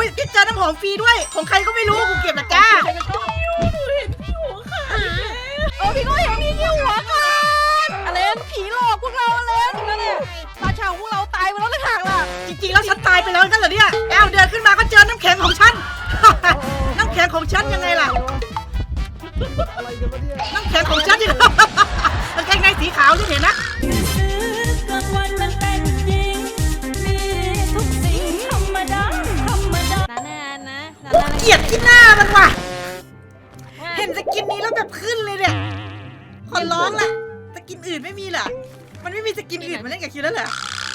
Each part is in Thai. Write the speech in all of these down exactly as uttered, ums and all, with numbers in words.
กิ๊ดเจอน้ำหอมฟรีด้วยของใครก็ไม่รู้กูเก็บละจ้าโอ้พี่ก็เห็นพี่ที่หัวขาดอเลนผีหลอกพวกเราอเลนนั่นแหละราชาพวกเราตายไปแล้วต่างหากล่ะจริงๆแล้วฉันตายไปแล้วนั่นเหรอเนี่ยแอลเดินขึ้นมาก็เจอน้ำแข็งของฉัน น้ำแข็งของฉันยังไงล่ะอะไรกันวะเนี่ยน้ำแข็งของฉันยัง มันแกงในสีขาวที่เห็นนะกลางวันมันเป็นจริงมีทุกสิ่งธรรมดาธรรมดานานานะกูเกลียดที่หน้ามันว่ะเห็นสกินนี้แล้วแบบขึ้นเลยเนี่ยขอร้องละสกินอื่นไม่มีเหรอมันไม่มีสกินอื่นมาเล่นกับคิวแล้วเหรอ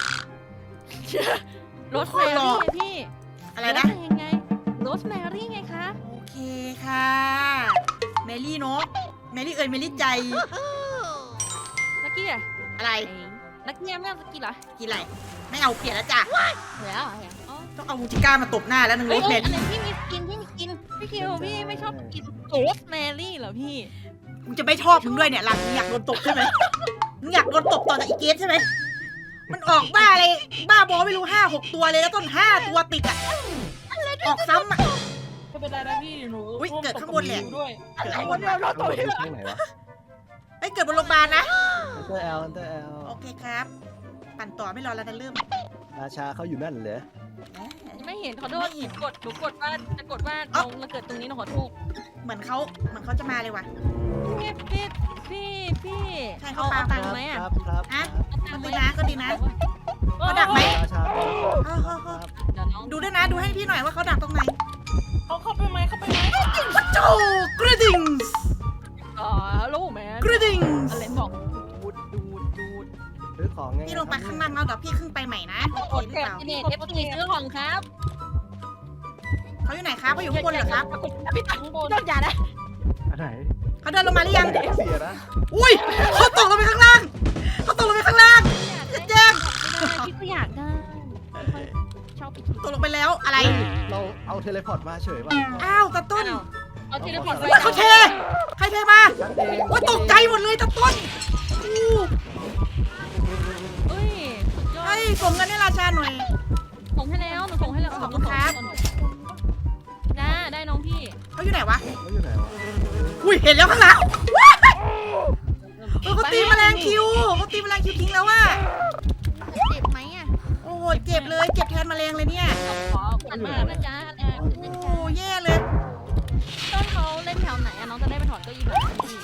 โรสแมรี่ไงพี่อะไรนะยังไงโรสแมรี่ไงคะโอเคค่ะเมลี่เนาะเมลี่เอ้ยเมลี่ใจลักกี้อะอะไรลักกี้ไม่เอาลักกี้เหรอกินอะไรไม่เอาเปลี่ยนแล้วจ้ะแล้วอ๋อต้องเอามูจิก้ามาตบหน้าแล้วนึงเฮ้รยถเมอันลี่นี้พี่มีกินพี่มีกินพี่คิวพี่ไม่ชอบกินโรสแมรี่เหรอพี่มึงจะไม่ชอบมึงด้วยเนี่ยหลังมึงอยากโดนตบใช่ไหมมึงอยากโดนตบต่อจากอีเกสใช่ไหมมันออกบ้าอะไรบ้าบอไม่รู้ห้าหกตัวเลยแล้วต้นห้าตัวติดอ่ะออกซ้ำอ่ะไม่เป็นไรนะพี่หนูอุ๊ยเกิดข้างบนแหละด้วยเกิดอะไรเอาวะเราตัวที่ไหนวะเอ้ยเกิดบนโรงพยาบาลนะฮันเตอร์แอลฮันเตอร์แอลโอเคครับ ปั่นต่อไม่รอแล้วนะเริ่มราชาเขาอยู่นั่นเหรอไม่เห็นขอโทษกดหนูกดว่าจะกดว่าลงเราเกิดตรงนี้หนูขอโทษเหมือนเขาเหมือนเขาจะมาเลยว่ะพี่พี่พี่พี่ใช่เอาเขาปาเอาตังค์ไหมอ่ะครับครับฮะครับเอาตังค์ไหมก็ดีนะก็ดีนะ เขาดักไหมราชาเอาเอาเอาเดี๋ยวน้องดูด้วยนะดูให้พี่หน่อยว่าเขาดักตรงไหนเขาเข้าไปไหมเข้าไปไหมวัดโจกระดิ่งอ๋อฮัลโหลแมนกระดิ่งอเลนบอกดูดดูดดูดซื้อของไงพี่ลงไปข้างล่างแล้วเดี๋ยวพี่ขึ้นไปใหม่นะโอเคกดหรือแกเปล่าเน็ตเอฟซีซื้อของครับเขาอยู่ไหนครับเขาอยู่ข้างบนเหรอครับพี่ตังบนยอดยานะอันไหนเขาเดินลงมาหรือยังเสียนะอุ้ยเขาตกลงไปข้างล่างเขาตกลงไปข้างล่างแจ้งพี่ก็อยากได้ชอบไปกินตกลงไปแล้วอะไรเราเอาเทเลพอร์ตมาเฉยว่ะอ้าวตาต้นเอาเทเลพอร์ตว่าเขาเทใครเทมาฉันเองว่าตกใจหมดเลยตาต้นอู้เอ้ยสุดยอดเฮ้ยส่งเงินให้ราชาหน่อยส่งให้แล้วหนูส่งให้แล้วขอบคุณครับได้ได้น้องพี่เขาอยู่ไหนวะเขาอยู่ไหนวะอุ้ยเห็นแล้วข้างหลังว้ายเออเขาตีแมลงคิวเขาตีแมลงคิวทิ้งแล้วว่าเจ็บไหมอ่ะโอ้โหเจ็บเลยเจ็บแทนแมลงเลยเนี่ยขอขวัญมากนะจ๊ะอันแอนโอ้แย่เลยต้นเขาเล่นแถวไหนอะน้องจะได้ไปถอนเก้าอี้แบบพี่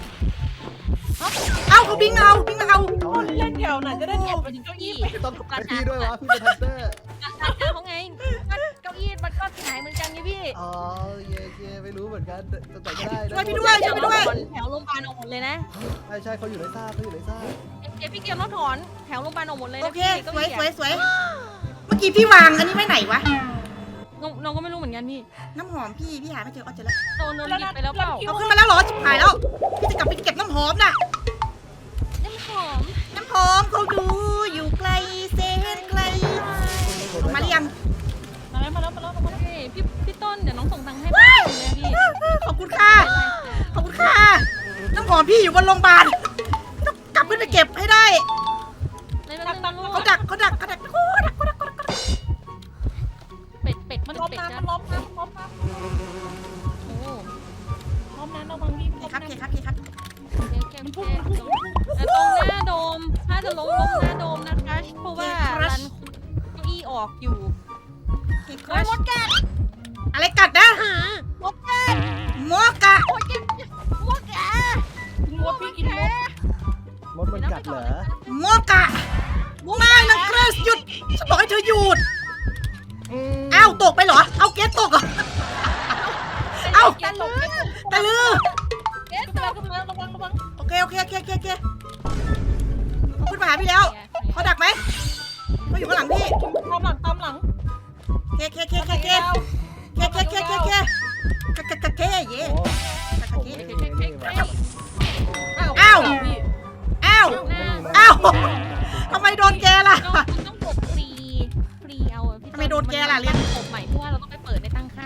เอ้าเขาบิงเอาบิงเอาเขาคนไหนเล่นแถวไหนจะได้แถวไปถึงเก้าอี้ต้องไปพี่ด้วยวะพี่เป็นฮันเตอร์ราคาเขาไงเก้าอี้มันก็หายเหมือนกันไงพี่อ๋อเย่เย่ไม่รู้เหมือนกันแต่ก็ได้ช่วยพี่ด้วยช่วยพี่ด้วยแถวโรงพยาบาลออกหมดเลยนะใช่ใช่เขาอยู่ในซ่าเขาอยู่ในซ่าเอฟพี่เกียวต้องถอนแถวโรงพยาบาลออกหมดเลยโอนะเคพี่สวยสวยสวยเมื่อกี้พี่วางอันนี้ไว้ไหนวะน้องก็ไม่รู้เหมือนกันพี่น้ำหอมพี่พี่หาไม่เจอเอาเจอแล้วโดนโดนหยิบไปแล้วเปล่าเอาขึ้นมาแล้วเหรอชิบหายแล้วพี่จะกลับไปเก็บน้ำหอมน่ะน้ำหอมน้ำหอมเขาดูอยู่ไกลเซนไกลลงมาหรือยังมาแล้วมาแล้วมาแล้วมาแล้วเฮ้ยพี่พี่ต้นเดี๋ยวน้องส่งตังค์ให้ป้าเลยพี่ขอบคุณค่ะขอบคุณค่ะน้ำหอมพี่อยู่บนโรงพยาบาลต้องกลับขึ้นไปเก็บให้ได้เลยเลยลูกเขาดักเขาดักเขาดักเขาดักเขาดักเขาดักเป็ดเป็ดมันล้อมเป็ดนะนะมันล้อมนะล้อมนะโอ้ล้อมนะระวังพี่โอเคครับโอเคครับโอเคครับเก่งเก่งเก่งแต่ตรงหน้าโดมถ้าจะล้มล้มหน้าโดมนะคะเพราะว่ารันเก้าอี้ออกอยู่โอเคคโอ้รัยบมดกัดอะไรกัดนะมดกัดหมอกะโอ้ยเจ็บมดกัดกินมดพี่กินมดมดมันกัดเหรอหมอกะไม่นังเกรสหยุดฉันบอกให้เธอหยุดอ้าวตกไปเหรอเอาเกสตกเหรอ เอ้าแกตกแกตกตะลือเอ๊ะขึ้นมาขึ้นมาระวังระวังโอเคโอเคโอเคโอเคโอเคเขาขึ้นมาหาพี่แล้วเขาดักไหมเขาอยู่ข้างหลังพี่ตามหลังตามหลังเคเคเคเคเค เคเคเคเคเคเคเคเคเคเย่โอ้ผมไม่มีนี่มาอ้าวพี่อ้าวหน้าอ้าวทำไมโดนแกล่ะต้องต้องกดฟรีฟรีเอาอะพี่ทำไมโดนแกล่ะเรียนกดใหม่เพราะว่าเราต้องไปเปิดในตั้งค่า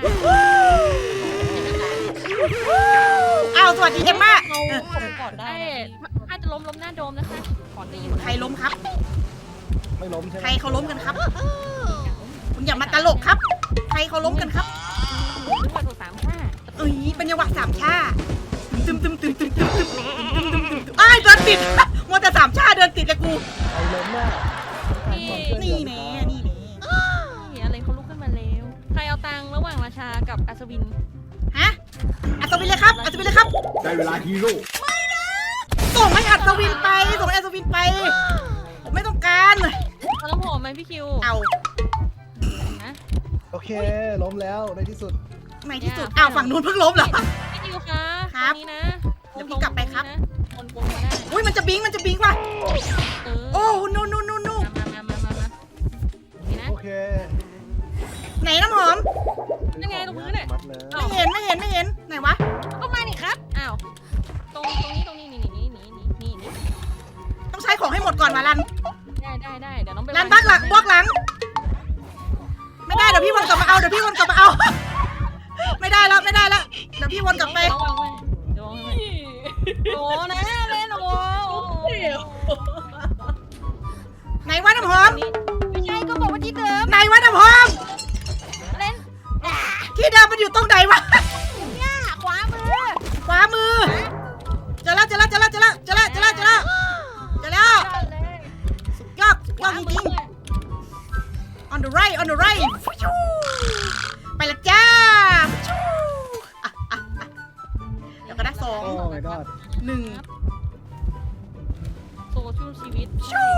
อ้าวสวัสดีเอ็มม่าเขาผมกอดได้ได้นะพี่ถ้าจะล้มล้มหน้าโดมนะคะขอตีอยู่ใครล้มครับไม่ล้มใช่ไหใคมรเขาล้มกันครับ คุณอย่ามาตลกครับ ใครเขาล้มกันครับนึกว่าตัวสามชาเอ้ยเป็นจังหวะสามชาตึมตึมตึมตึมตึมตึมตึมตึมตึมตึมอ้ายเดินติดมัวแต่สามชาเดินติดเลยกูไอ้ล้มน่ะนี่แน่นี่แน่นี่อะไรเขาลุกขึ้นมาแล้วใครเอาตังค์ระหว่างราชากับอัศวินฮะอัศวินเลยครับอัศวินเลยครับได้เวลาฮีโร่ส่งให้อัศวินไปส่งให้อัศวินไปผมไม่ต้องการเอาน้ำหอมไหมพี่คิวเอานะโอเคล้มแล้วในที่สุดในที่สุดอ้าวฝั่งนู้นเพิ่งล้มเหรอพี่คิวคะครับตรงนี้นะเดี๋ยวพี่กลับไปครับคนโกงมาได้อุ้ยมันจะบิงมันจะบิงว่ะเออโอ้โนโนโนโนมามามามามานี่นะโอเคไหนน้ำหอมนั่นไงตรงพื้นน่ะมัดเลยไม่เห็นไม่เห็นไม่เห็นไหนวะก็มานี่ครับอ้าวตรงตรงนี้ตรงนี้นี่นี่นี่นี่นี่นี่ต้องใช้ของให้หมดก่อนวะรันได้ได้ได้เดี๋ยวน้องไปรันบักหลังบล็อกหลัง ไม่ได้เดี๋ยวพี่วนกลับมาเอาเดี๋ยวพี่วนกลับมาเอา ไม่ได้แล้วไม่ได้แล้วเดี๋ยวพี่วนกลับไปเดี๋ยววางไว้เดี๋ยววางไว้โอ้นะเล่นโอ้ไหนวะน้ำหอมไม่ใช่ก็บอกว่าที่เดิมไหนวะน้ำหอมเล่นที่เดิมมันอยู่ตรงไหนวะเนี่ยขวามือขวามือเจอแล้วเจอแล้วเจอแล้วเจอแล้วเจอแล้วเจอแล้วเจอแล้วเจอแล้วเลยสุดยอดสุดยอดจริงๆ on the right on the right ไปละจ้าอ่ะอ่ะอ่ะเดี๋ยวก็ได้สองโอ้ my god หนึ่งโซเชียลชีวิต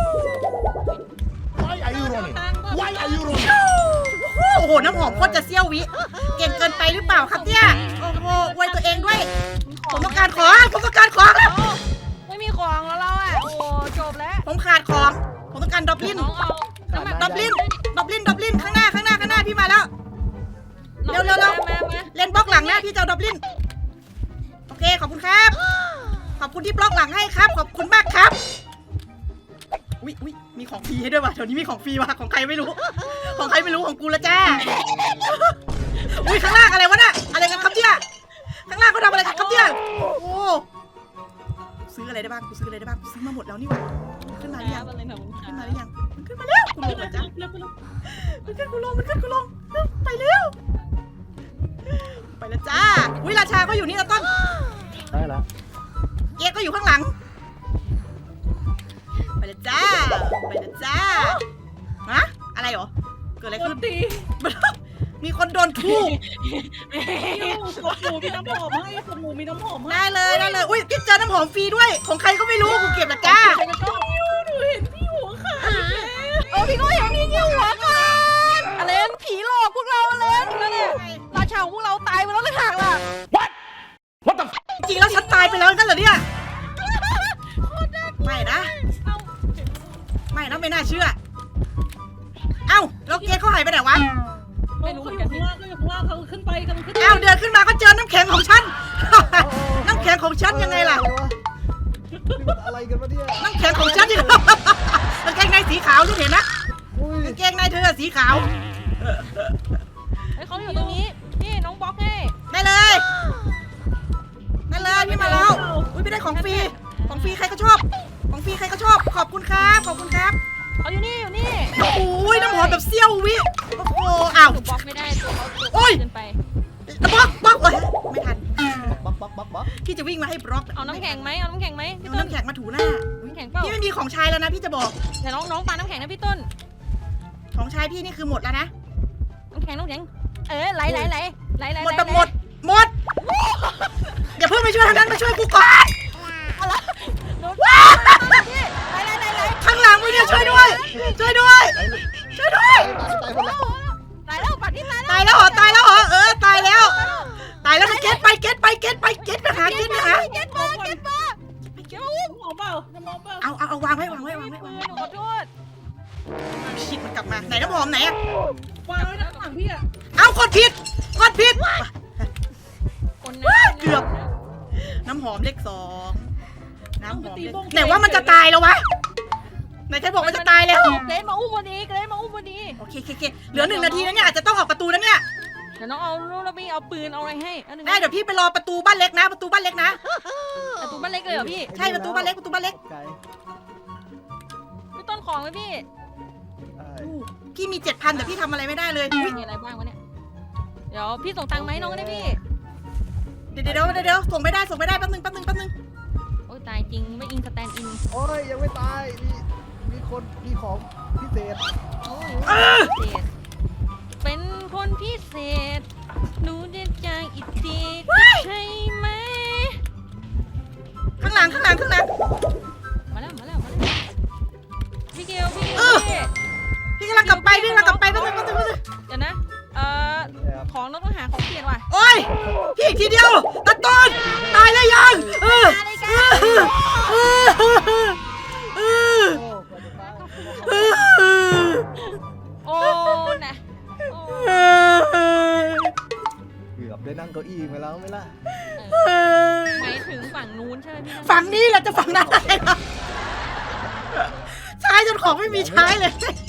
Why are you running Why are you running โอ้โหน้ำหอมโคตรจะเซี่ยววิ เก่งเกินไปหรือเปล่าครับเนี่ยโอ้โหอวยตัวเองด้วย ผมต้องการของผมต้องการของแล้วไม่มีของแล้วเราอ่ะโอ้จบแล้วผมขาดของ ผมต้องการดอบลินน้องเอาน้ำมันดอบลินดอบลินดอบลินข้างหน้าข้างหน้าข้างหน้าพี่มาแล้ว เร็วเร็วเร็วมามาเล่นบล็อกหลังนะพี่เจ้าดอบลิน โอเคขอบคุณครับ ขอบคุณที่บล็อกหลังให้ครับ ขอบคุณมากครับ อุ๊ยอุ๊ยมีของฟรีให้ด้วยว่ะแถวนี้มีของฟรีว่ะของใครไม่รู้ ของใครไม่รู้ของกูละจ้า อุ๊ยข้างล่างอะไรวะน่ะอะไรกันครับเนี่ยข้างล่างเขาทำอะไรกันครับเนี่ยโอ้ซื้ออะไรได้บ้างกูซื้ออะไรได้บ้างกูซื้อมาหมดแล้วนี่หว่าขึ้นมาหรือยังอะไรนะมึงขึ้นมาหรือยังมันขึ้นมาแล้วกูลงแล้วจ้ะเร็วไปเร็วมันขึ้นกูลงมันขึ้นกูลงไปเร็วไปแล้วจ้าอุ๊ยราชาก็อยู่นี่แล้วต้นได้ละเกียร์ก็อยู่ข้างหลังไปแล้วจ้าไปแล้วจ้าฮะอะไรเหรอเกิดอะไรโดขึ้นนตีมีคนโดนทูบขนหมูมีน้ำหอมให้ขนหมูมีน้ำหอมให้ได้เลยได้เลยอุ้ยพี่เจอน้ำหอมฟรีด้วย ของใครก็ไม่รู้กูเก็บละจ้าหนูเห็นพี่หัวขาดเออพี่ก็เห็นนี่ที่หัวก่อนอะไรนผีหลอกพวกเราเล่นแล้วเนี่ยราชาของพวกเราตายไปแล้วต่างหากล่ะ What the จริงแล้วฉันตายไปแล้วนั่นเหรอเนี่ยไม่นะไม่นะไม่น่าเชื่อเอ้าแล้วเกียร์เขาหายไปไหนวะไม่รู้อยู่ข้างล่างก็อยู่ข้างล่างเขาขึ้นไปกำลังขึ้นเอ้าเดินขึ้นมาก็เจอน้ำแข็งของฉัน น้ำแข็งของฉันยังไงล่ะนี่มันอะไรกันวะเนี่ยน้ำแข็งของฉันนี่ กางเกงในสีขาวที่เห็นนะอุ้ยกางเกงในเธอสีขาวเฮ้ยเขาอยู่ตรงนี้นี่น้องบล็อกไงได้เลยได้เลยพี่มาแล้วอุ้ยไม่ได้ของฟรีของฟรีใครก็ชอบ ของฟรีใครก็ชอบ ขอบคุณครับขอบคุณครับเขาอยู่นี่อยู่นี่โอ้ยน้ำหอมแบบเซี่ยววิโอ้โหอ้าวหนูบล็อกไม่ได้ตัวเขาตัวโอ้ยเกินไปบล็อกบล็อกเอ้ยไม่ทันบักบักบักบักพี่จะวิ่งมาให้บล็อกเอาน้ำแข็งไหมเอาน้ำแข็งไหมพี่เอาต้นน้ำแข็งมาถูหน้าอุ๊ยน้ำแข็งเปล่าพี่ไม่มีของใช้แล้วนะพี่จะบอกเดี๋ยวน้องน้องปาน้ำแข็งนะพี่ต้นของใช้พี่นี่คือหมดแล้วนะน้ำแข็งน้ำแข็งเออไหลไหลไหลไหลไหลหมดแบบหมดหมดอย่าเพิ่งไปช่วยทางนั้นมาช่วยกูก่อนว้าวไหลไหลไหลไหลข้างหลังมึงเนี่ยช่วยด้วย ช่วยด้วย ช่วยด้วยตายตายหมดแล้วไหลแล้วปัดที่ไหลตายแล้วเหรอตายแล้วเหรอเออตายแล้ว ตายแล้วก็เก็ตไปเก็ตไปเก็ตไปเก็ตไปหาเก็ตไปหาเก็ตมาเก็ตมาเก็ตมาอุ้มน้ำหอมเปล่าน้ำหอมเปล่าเอาเอาเอาวางไว้วางไว้วางไว้ปืวางนไว้หนูขอโทษชิดมันกลับมาไหนน้ำหอมไหนอะวางไว้ด้านหลังพี่อะเอากดผิดกดผิดคนว้านั้นเกือบ น้ำหอมเลขสองน้ำหอมเลขไหนว่ามันจะตายแล้ววะไหนใครบอกมันจะตายแล้วเกรซมาอุ้มพอดีเกรซมาอุ้มพอดีโอเคโอเคโอเคเหลือหนึ่งนาทีนะเนี่ยอาจจะต้องออกประตูนะเนี่ยเดี๋ยวน้องเอาลูกระบี้เอาปืนเอาอะไรให้อันหนึ่งได้เดี๋ยวพี่ไปรอประตูบ้านเล็กนะ ประตูบ้านเล็กนะประตูบ้านเล็กเลยเหรอพี่ใช่ประตูบ้านเล็กประตูบ้านเล็กไกลพี่ต้นของไหมพี่ใช่อู้พี่มีเจ็ดพันแต่พี่ทำอะไรไม่ได้เลยอุ๊ยมีอะไรบ้างวะเนี่ยเดี๋ยวพี่ส่งตังค์มาให้น้องก็ได้พี่เดี๋ยวเดี๋ยวเดี๋ยวเดี๋ยวส่งไม่ได้ส่งไม่ได้แป๊บนึงแป๊บนึงแป๊บนึงโอ้ยตายจริงไม่อินสแตนด์อินโอ้ยยังไม่ตายมีมีคนมีของพิเศษโอ้ยพิเศษเป็นคนพิเศษหนูเด็ดจางอิติใช่ไหมข้างหลังข้างหลังข้างหลังมาแล้วมาแล้วมาแล้วพี่เกลพี่เออพี่พี่กำลังกลับไปพี่กำลังกลับไปแป๊บนึงแป๊บนึงแป๊บนึงเดี๋ยวนะเอ่อแอบของเราต้องหาของเปลี่ยนว่ะโอ้ยพี่อีกทีเดียวตะต้นตายแล้วยังเออเออเออเออโอ้กว่าจะตายเออโอ้นะโอ้เออเกือบได้นั่งเก้าอี้มาแล้วไหมล่ะเอเอออหมายถึงฝั่งนู้นใช่ไหมพี่นะฝั่งนี้แหละจะฝั่งนั้นอะไรล่ะใช้จนของไม่มีใช้เลย